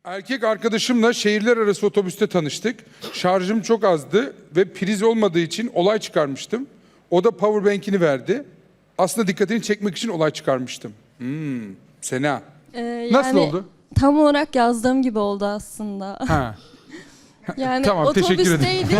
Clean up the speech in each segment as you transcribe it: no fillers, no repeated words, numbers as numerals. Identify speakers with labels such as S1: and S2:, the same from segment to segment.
S1: Erkek arkadaşımla şehirler arası otobüste tanıştık. Şarjım çok azdı ve priz olmadığı için olay çıkarmıştım. O da powerbank'ini verdi. Aslında dikkatini çekmek için olay çıkarmıştım. Sena. Nasıl oldu?
S2: Tam olarak yazdığım gibi oldu aslında.
S1: Ha.
S2: Yani
S1: Tamam, teşekkür ederim.
S2: otobüsteydik.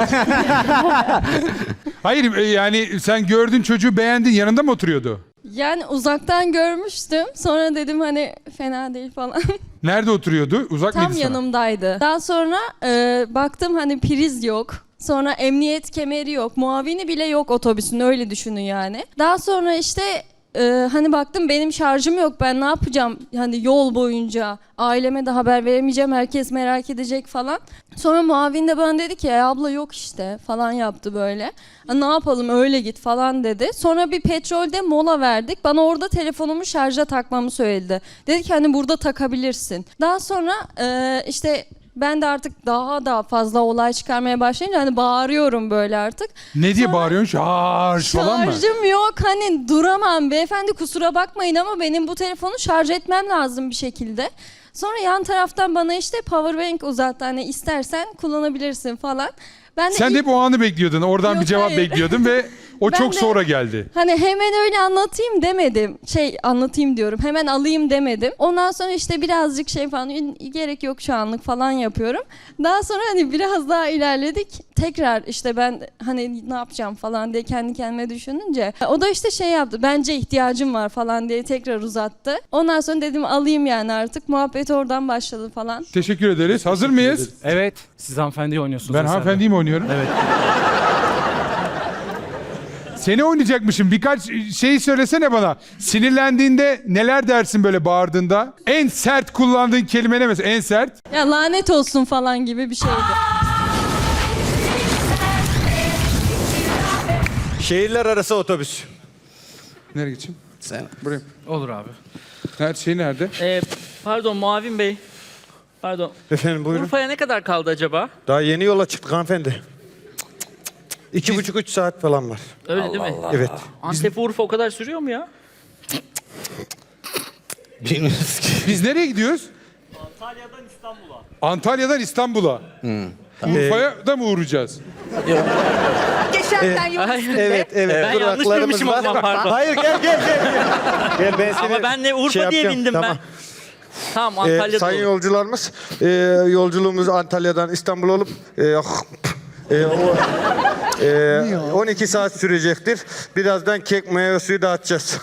S1: Hayır yani sen gördün çocuğu beğendin, yanında mı oturuyordu?
S2: Yani uzaktan görmüştüm. Sonra dedim hani fena değil falan.
S1: Nerede oturuyordu? Uzak
S2: Tam
S1: mıydı sana?
S2: yanımdaydı. Daha sonra baktım hani priz yok. Sonra emniyet kemeri yok. Muavini bile yok otobüsün, öyle düşünün yani. Daha sonra işte hani baktım benim şarjım yok, ben ne yapacağım hani yol boyunca, aileme de haber veremeyeceğim, herkes merak edecek falan. Sonra muavin de bana dedi ki abla yok işte falan yaptı böyle. Ne yapalım öyle git falan dedi. Sonra bir petrolde mola verdik. Bana orada telefonumu şarja takmamı söyledi. Dedi ki hani burada takabilirsin. Daha sonra işte ben de artık daha fazla olay çıkarmaya başlayınca hani bağırıyorum böyle artık.
S1: Ne diye bağırıyorsun? Şarj falan mı?
S2: Şarjım yok, hani duramam beyefendi, kusura bakmayın ama benim bu telefonu şarj etmem lazım bir şekilde. Sonra yan taraftan bana işte powerbank uzattı, hani istersen kullanabilirsin falan. Ben de
S1: Sen de hep o anı bekliyordun. Oradan
S2: Yok,
S1: bir cevap
S2: hayır.
S1: bekliyordun ve o
S2: Ben
S1: çok
S2: de-
S1: sonra geldi.
S2: Hani hemen öyle anlatayım demedim. Anlatayım diyorum. Hemen alayım demedim. Ondan sonra işte birazcık falan gerek yok şu anlık falan yapıyorum. Daha sonra hani biraz daha ilerledik. Tekrar işte ben hani ne yapacağım falan diye kendi kendime düşününce o da işte yaptı. Bence ihtiyacım var falan diye tekrar uzattı. Ondan sonra dedim alayım yani artık. Muhabbet oradan başladı falan.
S1: Teşekkür ederiz. Hazır mıyız?
S3: Evet. Siz hanımefendiyi oynuyorsunuz.
S1: Ben
S3: eserde.
S1: hanımefendiyi mi oynuyorum?
S3: Evet.
S1: Seni oynayacakmışım. Birkaç şey söylesene bana. Sinirlendiğinde neler dersin böyle bağırdığında? En sert kullandığın kelime ne mesela? En sert?
S2: Ya lanet olsun falan gibi bir şeydi.
S4: Şehirler arası otobüs.
S1: Nereye geçeyim?
S4: Sen.
S1: Buraya.
S3: Olur abi.
S1: Her şey nerede?
S5: Pardon Muavin Bey. Pardon.
S4: Efendim buyurun.
S5: Urfa'ya ne kadar kaldı acaba?
S4: Daha yeni yola çıktık hanımefendi. 2,5-3 saat falan var.
S5: Öyle değil mi?
S4: Evet.
S5: Antep Urfa o kadar sürüyor mu ya?
S4: Bilmiyoruz ki.
S1: Biz nereye gidiyoruz?
S5: Antalya'dan İstanbul'a.
S1: Antalya'dan İstanbul'a. Urfa'ya da mı uğrayacağız?
S6: Geçerken yol üstünde.
S4: Evet.
S5: Ben yanlış
S4: Duraklarımız
S5: bilmişim o
S4: var.
S5: zaman, pardon.
S4: Hayır gel. Gel ben seni
S5: Ama ben de Urfa diye
S4: yapacağım.
S5: bindim
S4: Tamam.
S5: ben. Tamam Antalya'da
S4: Sayın
S5: olur.
S4: yolcularımız, yolculuğumuz Antalya'dan İstanbul olup 12 saat sürecektir. Birazdan kek meyve suyu dağıtacağız.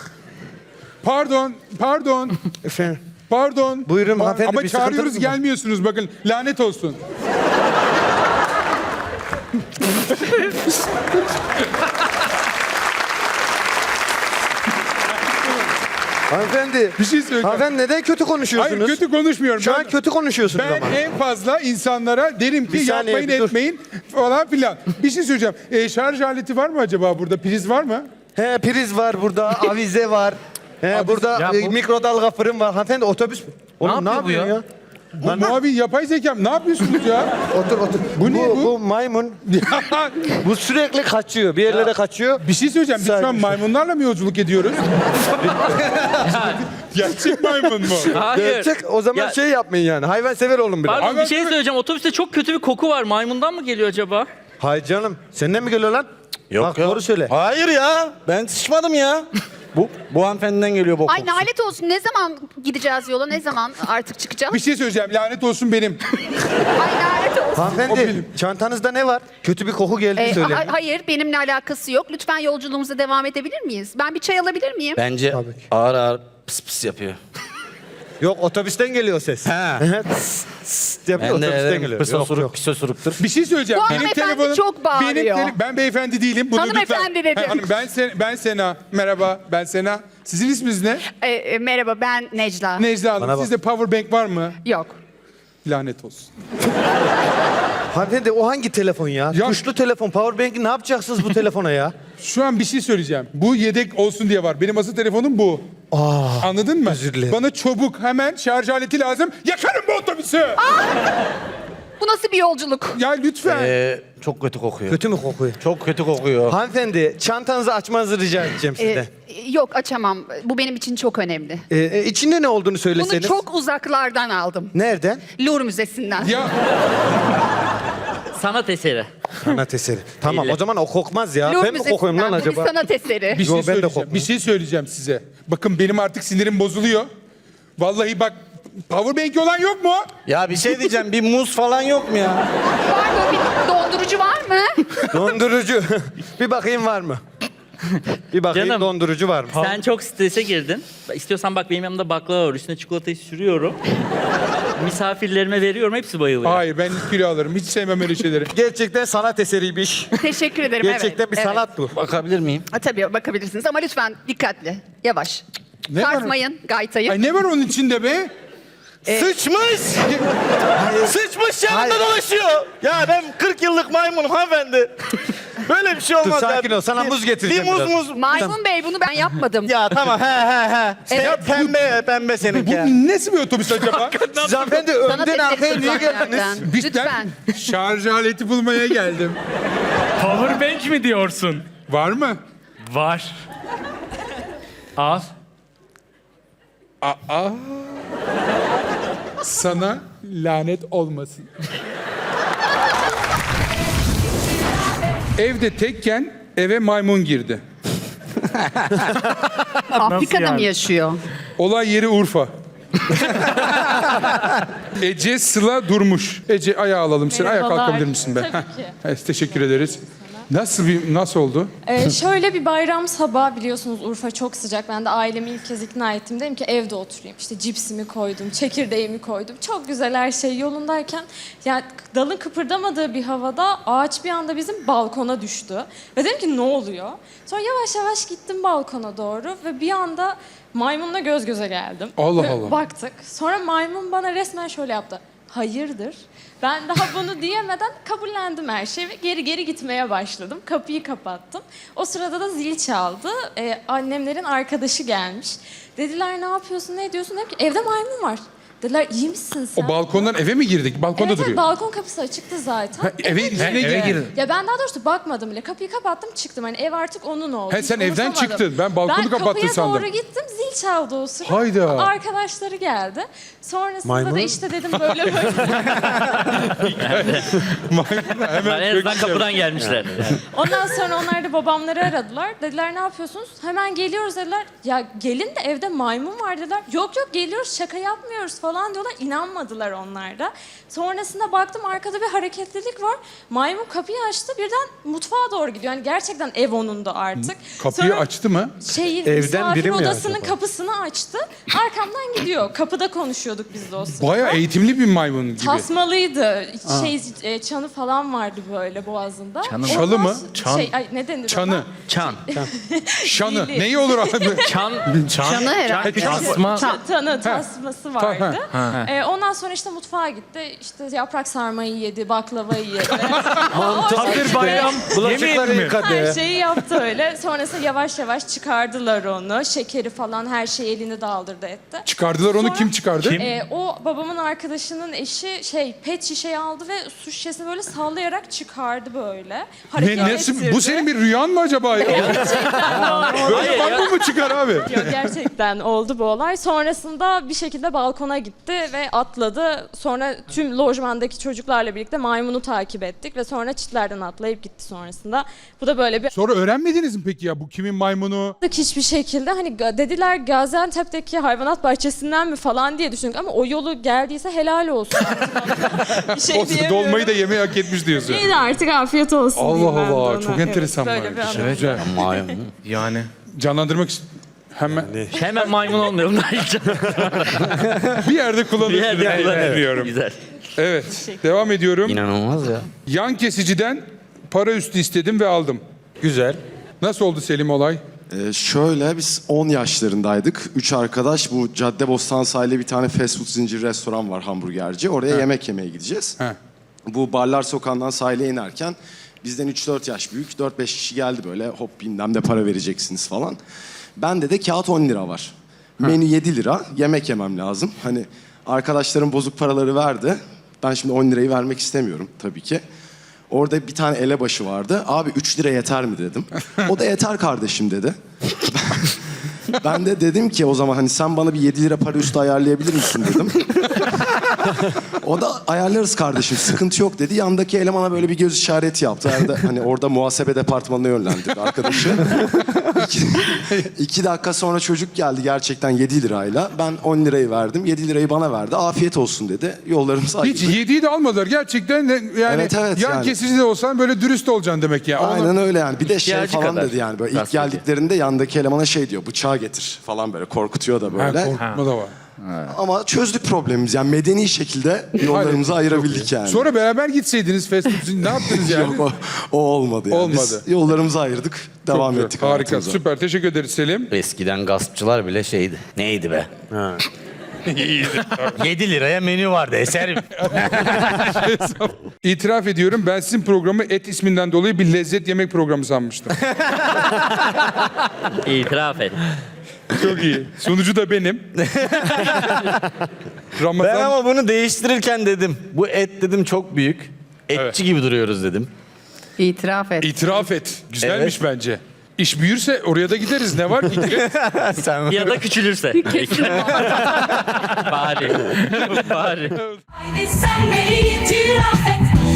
S1: Pardon.
S4: Efendim.
S1: Pardon.
S4: Buyurun hanımefendi,
S1: Ama
S4: bir
S1: çağırıyoruz
S4: sıkıntınız mı?
S1: gelmiyorsunuz, bakın lanet olsun.
S4: Hanımefendi.
S1: Bir şey söyleyeceğim.
S4: Hanımefendi neden kötü konuşuyorsunuz?
S1: Hayır, kötü konuşmuyorum.
S4: Şu an kötü konuşuyorsunuz
S1: Ben
S4: ama.
S1: en fazla insanlara derim ki
S4: Bir saniye,
S1: yapmayın
S4: bir dur.
S1: etmeyin falan filan. Bir şey söyleyeceğim. Şarj aleti var mı acaba burada? Priz var mı?
S4: He priz var burada, avize var. He burada
S3: Ya bu-
S4: mikrodalga fırın var. Hanımefendi otobüs. Oğlum ne
S3: yapıyor bu
S4: yapıyorsun ya?
S1: Bu muavin yapay zekam. Ne yapıyorsunuz ya?
S4: Otur.
S1: Bu ne bu?
S4: Bu maymun. Bu sürekli kaçıyor. Bir yerlere kaçıyor.
S1: Bir şey söyleyeceğim. Biz şu an
S4: Saygı-
S1: maymunlarla mı yolculuk ediyoruz? Gerçek maymun mu?
S5: Hayır.
S4: Gerçek o zaman
S5: Ya-
S4: şey yapmayın yani. Hayvan sever olun biraz.
S5: Pardon
S1: Abi,
S5: bir şey söyleyeceğim. Otobüste çok kötü bir koku var. Maymundan mı geliyor acaba?
S4: Hayır canım. Senden mi geliyor lan?
S7: Yok
S4: Bak
S7: ya.
S4: doğru söyle.
S7: Hayır ya. Ben sıçmadım ya. Bu hanımefendiden geliyor bu
S6: Ay
S7: kokusu.
S6: lanet olsun, ne zaman gideceğiz yola, ne zaman artık çıkacağız?
S1: Bir şey söyleyeceğim. Lanet olsun benim.
S6: Ay lanet olsun.
S1: O
S4: Hanımefendi
S1: benim.
S4: çantanızda ne var? Kötü bir koku geldi söyle.
S6: Hayır, benimle alakası yok. Lütfen yolculuğumuza devam edebilir miyiz? Ben bir çay alabilir miyim?
S7: Bence
S4: Tabii ki.
S7: ağır ağır pıs pıs yapıyor.
S4: Yok otobüsten geliyor ses.
S7: Ha.
S4: Yapıyor,
S7: Ben de
S4: otobüsten
S7: ederim.
S4: geliyor.
S7: Pis
S4: Yok,
S7: osuruk,
S4: yok.
S7: pis osuruktur.
S1: Bir şey söyleyeceğim.
S6: Bu hanımefendi çok bağırıyor.
S1: Ben beyefendi değilim. Bunu
S6: Hanımefendi
S1: lütfen.
S6: dedim.
S1: Hanım, ben Sena. Merhaba, ben Sena. Sizin isminiz ne?
S6: Merhaba, ben Necla.
S1: Necla Hanım.
S4: Bana bak.
S1: Sizde powerbank var mı?
S6: Yok.
S1: Lanet olsun.
S4: Hanımefendi o hangi telefon ya?
S1: Ya-
S4: Tuşlu telefon. Powerbank'i ne yapacaksınız bu telefona ya?
S1: Şu an bir şey söyleyeceğim. Bu yedek olsun diye var. Benim asıl telefonum bu. Anladın mı?
S4: özür dilerim.
S1: Bana çabuk hemen şarj aleti lazım. Yakarım bu otobüsü.
S6: Bu nasıl bir yolculuk?
S1: Ya lütfen.
S7: Çok kötü kokuyor.
S4: Kötü mü kokuyor?
S7: Çok kötü kokuyor.
S4: Hanımefendi çantanızı açmanızı rica edeceğim sizden.
S6: Yok açamam. Bu benim için çok önemli.
S4: İçinde ne olduğunu
S6: Bunu
S4: söyleseniz.
S6: çok uzaklardan aldım.
S4: Nereden?
S6: Louvre Müzesi'nden.
S1: Ya
S5: Sanat eseri.
S4: Sanat eseri. Tamam
S5: Elle.
S4: o zaman o kokmaz ya.
S6: Louvre
S4: Ben mi kokuyorum lan
S6: Müzesi'nden. Bu
S4: acaba?
S6: bir sanat eseri.
S1: bir şey
S4: Yo, ben de
S1: söyleyeceğim.
S4: korkmam.
S1: Bir şey söyleyeceğim size. Bakın benim artık sinirim bozuluyor. Vallahi bak powerbank olan yok mu?
S7: Ya bir şey diyeceğim. Bir muz falan yok mu ya?
S6: Pardon, bir dondurucu var mı?
S4: Dondurucu. Bir bakayım var mı? Bir bakayım
S5: Canım.
S4: dondurucu var mı?
S5: Sen çok strese girdin. İstiyorsan bak benim yanımda baklava var. Üstüne çikolatayı sürüyorum. Misafirlerime veriyorum. Hepsi bayılıyor.
S1: Hayır ben kilo alırım. Hiç sevmem öyle şeyleri.
S4: Gerçekten sanat eseriymiş.
S6: Teşekkür ederim.
S4: Gerçekten
S6: evet.
S4: bir sanat bu.
S7: Bakabilir miyim?
S6: Ha, tabii bakabilirsiniz ama lütfen dikkatli. Yavaş.
S1: Ne var?
S6: Sarsmayın gaytayı.
S1: Ay ne var onun içinde be?
S7: Sıçmış! Sıçmış yanında dolaşıyor. Ya ben 40 yıllık maymunum hanımefendi. Böyle bir şey
S4: Dur
S7: olmaz
S4: sakin
S7: ya.
S4: ol. Sana muz getireceğim
S7: Bir muz
S4: biraz.
S7: muz.
S6: Maymun Bey bunu ben yapmadım.
S7: Ya tamam he.
S6: Evet.
S7: Pembe seninki. ya.
S1: Bu nasıl bir otobüs acaba?
S4: Siz hanımefendi
S6: Sanat
S4: önden arkaya
S6: eseri
S4: niye
S6: uzaklardan.
S4: geldiniz?
S1: Biz
S6: Lütfen.
S1: ben şarj aleti bulmaya geldim.
S3: Powerbank mi diyorsun?
S1: Var mı?
S3: Var. Al.
S1: Sana lanet olmasın. Evde tekken eve maymun girdi.
S6: Afrika'da
S3: yani?
S6: mı yaşıyor?
S1: Olay yeri Urfa. Ece Sıla Durmuş. Ece ayağa alalım seni. Ayağa
S2: Merhabalar.
S1: kalkabilir misin be?
S2: Tabii
S1: Heh.
S2: ki.
S1: Evet, teşekkür ederiz. Nasıl oldu?
S8: Şöyle bir bayram sabahı biliyorsunuz Urfa çok sıcak. Ben de ailemi ilk kez ikna ettim. Dedim ki evde oturayım. İşte cipsimi koydum, çekirdeğimi koydum. Çok güzel her şey yolundayken yani dalın kıpırdamadığı bir havada ağaç bir anda bizim balkona düştü. Ve dedim ki ne oluyor? Sonra yavaş yavaş gittim balkona doğru ve bir anda maymunla göz göze geldim.
S1: Allah
S8: Ve
S1: Allah.
S8: Baktık. Sonra maymun bana resmen şöyle yaptı. Hayırdır? Ben daha bunu diyemeden kabullendim her şeyi ve geri gitmeye başladım. Kapıyı kapattım. O sırada da zil çaldı. Annemlerin arkadaşı gelmiş. Dediler ne yapıyorsun, ne ediyorsun? Dedim ki evde maymun var. Dediler iyi misin sen?
S1: O balkondan eve mi girdik? Balkonda
S8: Evet,
S1: duruyor.
S8: balkon kapısı açıktı zaten.
S1: Ha, eve içine girdi.
S8: Ya ben daha doğrusu bakmadım bile. Kapıyı kapattım çıktım. Hani ev artık onun oldu.
S1: He,
S8: Hiç
S1: sen evden
S8: umursamadım.
S1: çıktın. Ben balkonu kapattın sandım.
S8: Ben kapıya doğru gittim. Zil çaldı o sırada.
S1: Hayda.
S8: Arkadaşları geldi. Sonrasında
S4: Maymun?
S8: da işte dedim böyle böyle.
S1: Hemen
S5: En azından
S1: çökeceğim.
S5: kapıdan gelmişler.
S8: Ondan sonra onlar da babamları aradılar. Dediler ne yapıyorsunuz? Hemen geliyoruz dediler. Ya gelin de evde maymun var dediler. Yok geliyoruz şaka yapmıyoruz falan diyorlar. İnanmadılar onlar da. Sonrasında baktım arkada bir hareketlilik var. Maymun kapıyı açtı birden mutfağa doğru gidiyor. Yani gerçekten ev onun da artık.
S1: Kapıyı
S8: Sonra
S1: açtı mı?
S4: Evden
S8: misafir
S4: biri mi
S8: odasının
S4: acaba?
S8: kapısını açtı. Arkamdan gidiyor. Kapıda konuşuyorduk biz de o sırada.
S1: Bayağı eğitimli bir maymun gibi.
S8: Tasmalıydı. Çanı falan vardı böyle boğazında.
S5: Çanı mı?
S8: Ondan
S1: Çalı mı?
S8: ne denir
S1: Çanı.
S8: ona?
S5: Çan.
S1: Şanı.
S8: Dili.
S1: Neyi olur abi?
S5: Çan.
S6: Canı herhalde.
S3: Tasma.
S8: Tasması vardı. Ondan sonra işte mutfağa gitti. İşte yaprak sarmayı yedi, baklavayı yedi.
S3: Hazır bayram.
S4: Bulaşıkları
S3: Yemeyelim mi?
S4: yıkadı.
S8: Her şeyi yaptı öyle. Sonrasında yavaş yavaş çıkardılar onu. Şekeri falan her şeyi elini daldırdı etti.
S1: Çıkardılar onu,
S8: Sonra-
S1: kim çıkardı?
S3: Kim?
S8: O babamın arkadaşının eşi pet şişeyi aldı ve su şişesini böyle sallayarak çıkardı böyle. Hareket
S1: Nasıl,
S8: ettirdi.
S1: bu senin bir rüyan mı acaba? Ya? Böyle maymun mu çıkar abi?
S8: Yok, gerçekten oldu bu olay. Sonrasında bir şekilde balkona gitti ve atladı. Sonra tüm lojmandaki çocuklarla birlikte maymunu takip ettik ve sonra çitlerden atlayıp gitti sonrasında. Bu da böyle bir
S1: Sonra öğrenmediniz mi peki ya bu kimin maymunu?
S8: hiçbir şekilde hani dediler Gaziantep'teki hayvanat bahçesinden mi falan diye düşündük ama o yolu geldiyse helal olsun. Bir şey
S1: O
S8: diyemiyorum.
S1: dolmayı da yemeği hak etmiş diyorsun.
S8: İyi de artık afiyet olsun
S1: Allah
S8: diyeyim ben de
S1: Allah,
S8: ona.
S1: çok enteresan
S8: böyle
S1: var.
S8: bir anı.
S1: Güzel.
S7: Maymun.
S3: Yani.
S1: Canlandırmak hemen
S5: Hemen maymun olmayalım.
S1: bir yerde kullanırsın.
S5: Bir yerde kullanıyorum.
S1: Biliyorum.
S5: Güzel.
S1: Evet. Devam ediyorum.
S7: İnanılmaz ya.
S1: Yan kesiciden para üstü istedim ve aldım.
S4: Güzel.
S1: Nasıl oldu Selim olay?
S9: Şöyle biz 10 yaşlarındaydık. 3 arkadaş bu Caddebostan sahilde bir tane fast food zinciri restoran var, hamburgerci. Oraya yemek yemeye gideceğiz.
S1: He.
S9: Bu Barlar Sokağı'ndan sahile inerken bizden 3-4 yaş büyük 4-5 kişi geldi böyle, hop bilmem de para vereceksiniz falan. Bende de kağıt 10 lira var. Menü 7 lira, yemek yemem lazım. Hani arkadaşlarım bozuk paraları verdi. Ben şimdi 10 lirayı vermek istemiyorum tabii ki. Orada bir tane elebaşı vardı. Abi 3 lira yeter mi dedim. O da yeter kardeşim dedi. Ben de dedim ki o zaman hani sen bana bir 7 lira para üstü ayarlayabilir misin dedim. O da ayarlarız kardeşim sıkıntı yok dedi. Yandaki elemana böyle bir göz işareti yaptı. Hani orada muhasebe departmanına yönlendirdi arkadaşı. 2 dakika sonra çocuk geldi gerçekten 7 lirayla. Ben 10 lirayı verdim. 7 lirayı bana verdi. Afiyet olsun dedi. Yollarımız ayrıldı.
S1: Hiç 7'yi de almadılar. Gerçekten de yani
S9: Evet,
S1: yan
S9: yani.
S1: kesici de olsan böyle dürüst olacaksın demek ya.
S9: Aynen öyle yani. Bir de şey
S5: İhtiyacı
S9: falan
S5: kadar.
S9: dedi yani. Böyle ilk
S5: Gazeteci.
S9: geldiklerinde yandaki elemana şey diyor. Bıçağı getir falan böyle. Korkutuyor da böyle.
S1: Korkutma da var.
S9: Ama çözdük problemimizi. Yani medeni şekilde yollarımızı ayırabildik yani.
S1: Sonra beraber gitseydiniz fast food ne yaptınız yani?
S9: Yok o olmadı yani.
S1: Olmadı.
S9: Biz yollarımızı ayırdık. Devam
S1: Çok
S9: ettik.
S1: güzel. Harika.
S9: hayatımıza.
S1: Süper. Teşekkür ederiz Selim.
S10: Eskiden gaspçılar bile şeydi. Neydi be? 7 liraya menü vardı eserim.
S1: İtiraf ediyorum ben sizin programı et isminden dolayı bir lezzet yemek programı sanmıştım.
S5: İtiraf et.
S1: Çok iyi. Sunucu da benim. Ramazan.
S7: Ben ama bunu değiştirirken dedim. Bu et dedim çok büyük.
S10: Etçi gibi duruyoruz dedim.
S6: İtiraf et.
S1: İtiraf et. Güzelmiş bence. İş büyürse oraya da gideriz. Ne var?
S7: Sen
S5: Ya da küçülürse. Bari. Bari.
S11: Haydi sen beni itiraf et.